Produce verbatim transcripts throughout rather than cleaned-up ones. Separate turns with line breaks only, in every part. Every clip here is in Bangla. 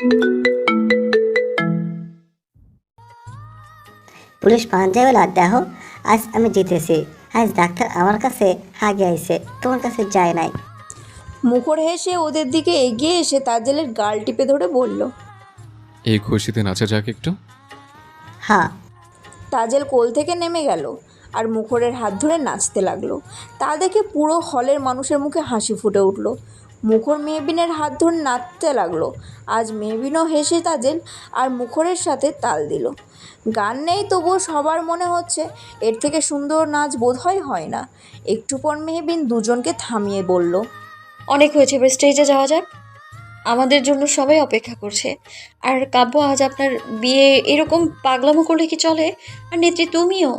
পুলিশ পাঞ্জাবেলা দেখো, আজ আমি জিতেছি। আজ ডাক্তার আমার কাছে হাগে আইছে, তোমার কাছে যায় নাই।
মুখর হেসে ওদের দিকে এগিয়ে এসে তাজেলের গাল টিপে ধরে বলল।
এই খুশিতে নাচা যাক একটু।
হ্যাঁ।
তাজেল কোল থেকে নেমে গেল আর মুখরের হাত ধরে নাচতে লাগলো। তা দেখে পুরো হলের মানুষের মুখে হাসি ফুটে উঠল। মুখর মেহবিনের হাত ধরে নাচতে লাগলো। আজ মেহবিনও হেসে তাজেল আর মুখরের সাথে তাল দিল। গান নেই, তবুও সবার মনে হচ্ছে এর থেকে সুন্দর নাচ বোধহয় হয় না। একটু পর মেহবিন দুজনকে থামিয়ে বলল,
অনেক হয়েছে, এবার স্টেজে যাওয়া যাক। আমাদের জন্য সবাই অপেক্ষা করছে। আর কাব্য, আজ আপনার বিয়ে এরকম পাগলামো করলে কি চলে? আর নেত্রী তুমিও।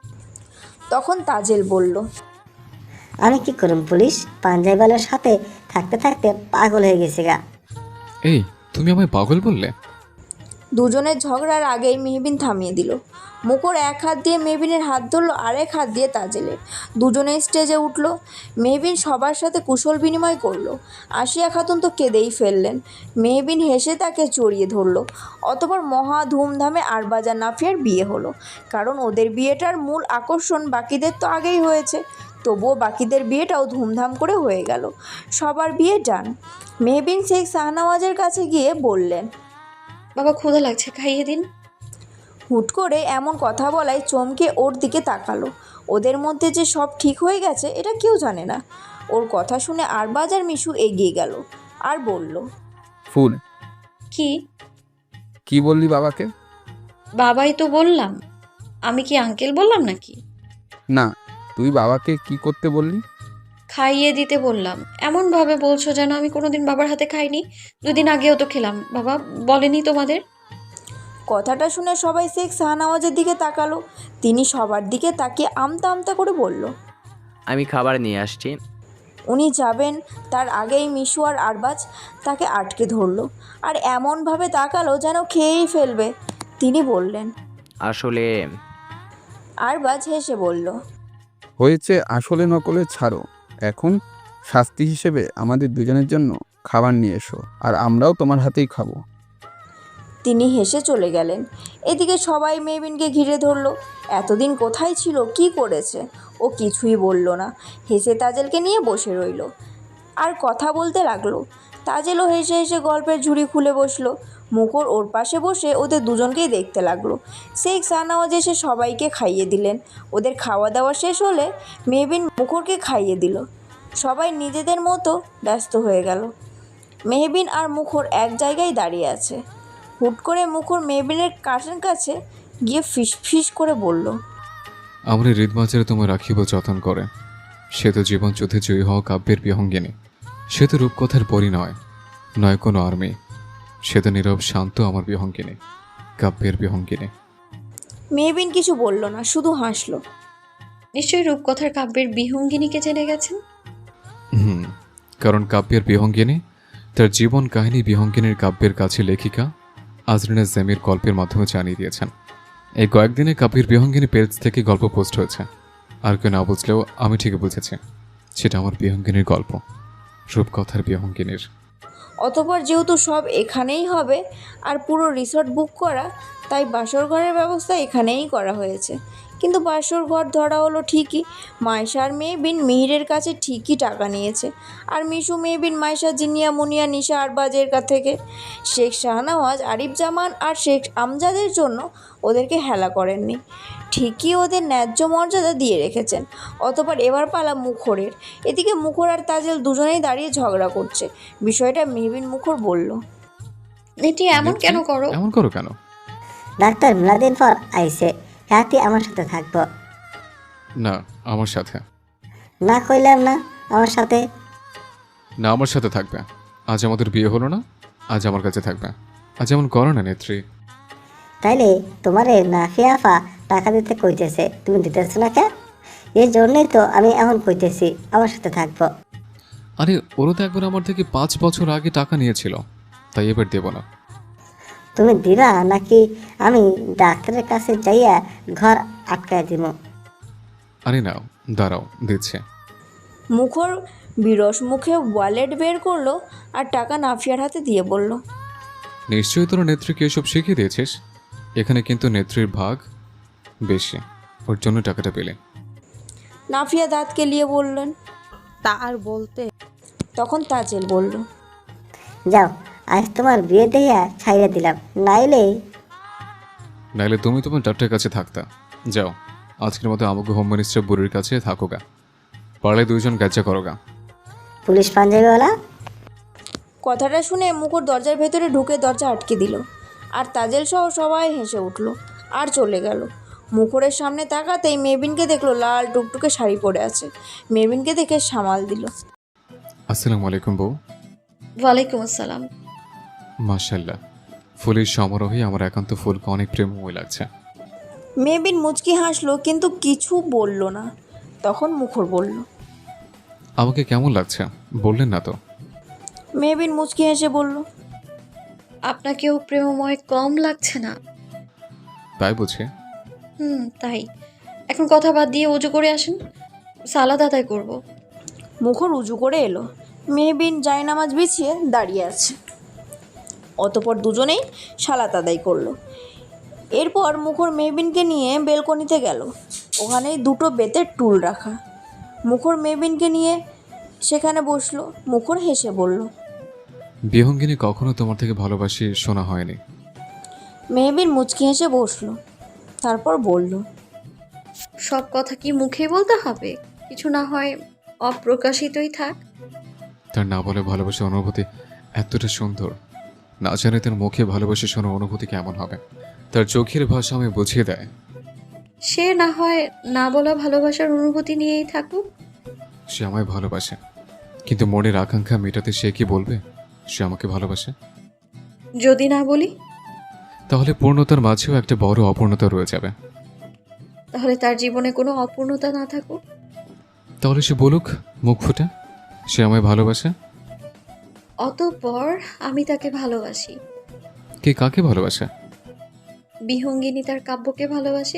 তখন তাজেল বলল,
আমি কি করুম পুলিশ, পাঞ্জাবিওয়ালার সাথে থাকতে থাকতে পাগল হয়ে গেছে গা।
এই, তুমি আমায় পাগল বললে?
দুজনের ঝগড়ার আগেই মেহবিন থামিয়ে দিল। মুখর এক হাত দিয়ে মেহবিনের হাত ধরলো, আরেক হাত দিয়ে তাজেলের। দুজনে স্টেজে উঠল। মেহবিন সবার সাথে কুশল বিনিময় করলো। আসিয়া খাতুন তো কেঁদেই ফেললেন। মেহবিন হেসে তাকে জড়িয়ে ধরলো। অতপর মহা ধুমধামে আরবাজ আর নাফিয়ার বিয়ে হলো। কারণ ওদের বিয়েটার মূল আকর্ষণ বাকিদের তো আগেই হয়েছে, তবুও বাকিদের বিয়েটাও ধুমধাম করে হয়ে গেল। সবার বিয়ে ডান। মেহবিন শেখ শাহনওয়াজের কাছে গিয়ে বললেন,
বাবা ক্ষুধা লাগছে, খাইয়ে দিন।
হুট করে এমন কথা বলায় চমকে ওর দিকে তাকালো। ওদের মধ্যে যে সব ঠিক হয়ে গেছে এটা কেউ জানে না। ওর কথা শুনে আরবাজ আর মিশু এগিয়ে গেল আর বলল,
ফুল,
কি?
কি বললি বাবাকে?
বাবাই তো বললাম। আমি কি আঙ্কেল বললাম নাকি?
না, তুই বাবাকে কি করতে বললি?
খাইয়ে দিতে বললাম। এমনভাবে বলছো যেন আমি কোনোদিন বাবার হাতে খাইনি। দুদিন আগেও তো খেলাম। বাবা বলেনি তোমাদের?
কথাটা শুনে সবাই শেখ শাহনওয়াজের দিকে তাকালো। তিনি সবার দিকে তাকিয়ে আমতা আমতা করে বলল,
আমি খাবার নিয়ে আসছি।
উনি যাবেন তার আগেই মিশু আর আরবাজ তাকে আটকে ধরলো আর এমনভাবে তাকালো যেন খেয়েই ফেলবে। তিনি বললেন,
আসলে
আরবাজ হেসে বলল,
হয়েছে আসলে নকলে ছাড়ো। এখন শাস্তি হিসেবে আমাদের দুজনের জন্য খাবার নিয়ে এসো, আর আমরাও তোমার হাতেই খাবো।
তিনি হেসে চলে গেলেন। এদিকে সবাই মেহবিনকে ঘিরে ধরল। এতদিন কোথায় ছিল, কি করেছে? ও কিছুই বলল না, হেসে তাজেলকে নিয়ে বসে রইল আর কথা বলতে লাগলো। তাজেলও হেসে হেসে গল্পের ঝুড়ি খুলে বসলো। মুখর ওর পাশে বসে ওদের দুজনকেই দেখতে লাগলো। শেখ শাহনওয়াজ এসে সবাইকে খাইয়ে দিলেন। ওদের খাওয়া দাওয়া শেষ হলে মেহবিন মুখরকে খাইয়ে দিল। সবাই নিজেদের মতো ব্যস্ত হয়ে গেল। মেহবিন আর মুখর এক জায়গায় দাঁড়িয়ে আছে। হুট করে মুখর মেহবিনের কাছের কাছে গিয়ে ফিস ফিস করে বলল,
আমরা হৃদমাঝারে তোমায় রাখিব যতন করে। সে তো জীবন যুদ্ধে জয়ী হওয়া কাব্যের বিহঙ্গিনী। সে তো রূপকথার পরি নয়, নয় কোনো আর্মি। সে তো নীরব শান্ত আমার বিহঙ্গিনী, কাব্যের বিহঙ্গিনী।
মেহবিন কিছু বলল না, শুধু হাসলো।
নিশ্চয়ই রূপকথার কাব্যের বিহঙ্গিনীকে জেনে গেছেন।
হুম, কারণ কাব্যের বিহঙ্গিনী তার জীবন কাহিনী বিহঙ্গিনীর কাব্যের কাছে লেখিকা আজরিনা জেমির গল্পের মাধ্যমে জানিয়ে দিয়েছেন। এই কয়েকদিনে কাব্যের বিহঙ্গিনী পেজ থেকে গল্প পোস্ট হয়েছে। আর কেউ না বুঝলেও আমি ঠিকই বুঝেছি, সেটা আমার বিহঙ্গিনীর গল্প, রূপকথার বিহঙ্গিনীর।
অতপর যেহেতু সব এখানেই হবে আর পুরো রিসর্ট বুক করা, তাই বাসর ঘরের ব্যবস্থা এখানেই করা হয়েছে। কিন্তু বাসর ঘর ধরা হলো ঠিকই। মাইশা আর মেহবিন মিহিরের কাছে ঠিকই টাকা নিয়েছে, আর মিশু মেহবিন মাইশা জিনিয়া মুনিয়া নিশা আরবাজের কাছ থেকে। শেখ শাহনওয়াজ আরিফ জামান আর শেখ আমজাদের জন্য ওদেরকে হেলা করেননি, ঠিকই ওদের ন্যায্য মর্যাদা দিয়ে রেখেছেন। অতপর এবার পালা মুখরের। এদিকে মুখর আর তাজেল দুজনেই দাঁড়িয়ে ঝগড়া করছে। বিষয়টা মেহবিন মুখর বলল,
এটি এমন কেন করো?
এমন করো কেন?
ডাক্তার মেলাদিন পর আইছে, রাতে আমার সাথে থাকবো।
না, আমার সাথে
না কইলাম না আমার সাথে।
না, আমার সাথে থাকবে। আজ আমাদের বিয়ে হলো না, আজ আমার কাছে থাকবে। আজ এমন করো না নেত্রী।
তাইলে তোমারে নাফিয়াফা টাকা দিতে কইতেছে, তুমি দিতেছ না কে? এই জন্যই তো আমি এখন কইতেছি আমার সাথে থাকবো।
আরে ওরা তো একবার আমার থেকে পাঁচ বছর আগে টাকা নিয়েছিল, তাই এবার দেব না।
তুমি দিবা নাকি আমি ডাক্তারের কাছে যাইয়া ঘর আটকায় দিব?
আরে নাও, দাঁড়াও, দিচ্ছে।
মুখর বিরস মুখে ওয়ালেট বের করলো আর টাকা নাফিয়ার হাতে দিয়ে বলল,
নিশ্চয়ই তোরা নেত্রীকে এসব শিখিয়ে দিয়েছিস। এখানে কিন্তু নেত্রীর ভাগ বেশি, ওর জন্য টাকাটা পেলে।
নাফিয়া দাঁত কেলিয়ে বললেন।
তা আর বলতে।
তখন তাজেল বলল।
যাও, আজ তোমার বিয়ে দেয়া ছাইড়ে দিলাম, নাইলে
নাইলে তুমি তোমার ডাক্তারের কাছে থাকতা। যাও, আজকের মতো আমাকে হোম মিনিস্টার বুড়ির কাছে থাকোগা, পারলে দুইজন গাজ্জা করোগা।
পুলিশ পাঞ্জাবিওয়ালা।
কথাটা শুনে মুখর দরজার ভেতরে ঢুকে দরজা আটকে দিল, আর তাজেল সহ সবাই হেসে উঠল আর চলে গেল। মুখরের সামনে তাকাতেই মেবিনকে দেখলো লাল টুকটুকে শাড়ি পরে আছে। মেবিনকে দেখে সামাল দিল।
আসসালামু আলাইকুম বউ।
ওয়ালাইকুম আসসালাম।
মাশাল্লাহ, ফুলের সমারোহে আমার একান্ত ফুলকে অনেক প্রেমময় লাগছে।
মেবিন মুচকি হাসলো কিন্তু কিছু বলল না। তখন মুখর বলল।
আমাকে কেমন লাগছে বললেন না তো?
মেবিন মুচকি হেসে বলল।
আপনাকেও প্রেমময় কম লাগছে না?
তাই বুঝে?
হুম, তাই। এখন কথা বাদ দিয়ে উজু করে আসেন, সালাদ আদায় করব।
মুখর উজু করে এলো। মেহবিন জায়নামাজ বিছিয়ে দাঁড়িয়ে আছে। অতপর দুজনেই সালাত আদায় করলো। এরপর মুখর মেহবিনকে নিয়ে বেলকনিতে গেল। ওখানেই দুটো বেতের টুল রাখা। মুখর মেহবিনকে নিয়ে সেখানে বসলো। মুখর হেসে বলল।
বিহঙ্গিনী কখনো তোমার থেকে ভালোবাসি শোনা হয়নি।
মেহবিন মুচকি হেসে বসলো, তারপর বলল।
সব কথা কি মুখে বলতে হবে? কিছু না হয় অপ্রকাশিতই থাক।
তার না বলে ভালোবাসার অনুভূতি এতটা সুন্দর, না জানে তার মুখে ভালোবাসা শোনার অনুভূতি কেমন হবে। তার চোখের ভাষা আমায় বুঝিয়ে দেয়।
সে না হয় না বলা ভালোবাসার অনুভূতি নিয়েই থাকুক।
সে আমায় ভালোবাসে, কিন্তু মনের আকাঙ্ক্ষা মেটাতে সে কি বলবে সে আমাকে ভালোবাসে?
যদি না বলি?
তাহলে পূর্ণতার মাঝেও একটা বড় অপূর্ণতা রয়ে যাবে।
তাহলে তার জীবনে কোনো অপূর্ণতা না থাকুক।
তাহলে সে বলুক মুখ ফুটে সে আমায় ভালোবাসে।
অতঃপর আমি তাকে ভালোবাসি।
কে কাকে ভালোবাসে?
বিহঙ্গিনী তার কাব্যকে ভালোবাসে।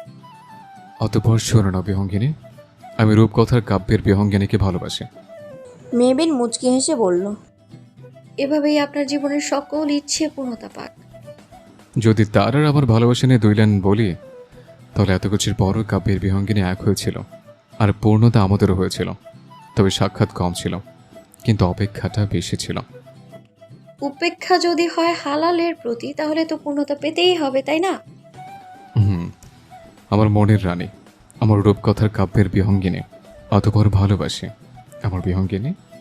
অতঃপর শোনো না বিহঙ্গিনী, আমি রূপকথার কাব্যের বিহঙ্গিনীকে ভালোবাসি।
মেহবিন মুচকি হেসে বলল।
এভাবেই আপনার জীবনের সকল ইচ্ছে পূর্ণতা পাক।
যদি তার আর আমার ভালোবাসা নিয়ে দুই লাইন বলি, তাহলে এত কিছুর বড় কাব্যের বিহঙ্গিনী এক হয়েছিল, আর পূর্ণতা আমাদেরও হয়েছিল। তবে সাক্ষাৎ কম ছিল, কিন্তু অপেক্ষাটা বেশি ছিল।
উপেক্ষা যদি হয় হালালের প্রতি, তাহলে তো পূর্ণতা পেতেই হবে, তাই না?
হুম, আমার মনের রানী, আমার রূপকথার কাব্যের বিহঙ্গিনী, অতপর ভালোবাসি আমার বিহঙ্গিনী।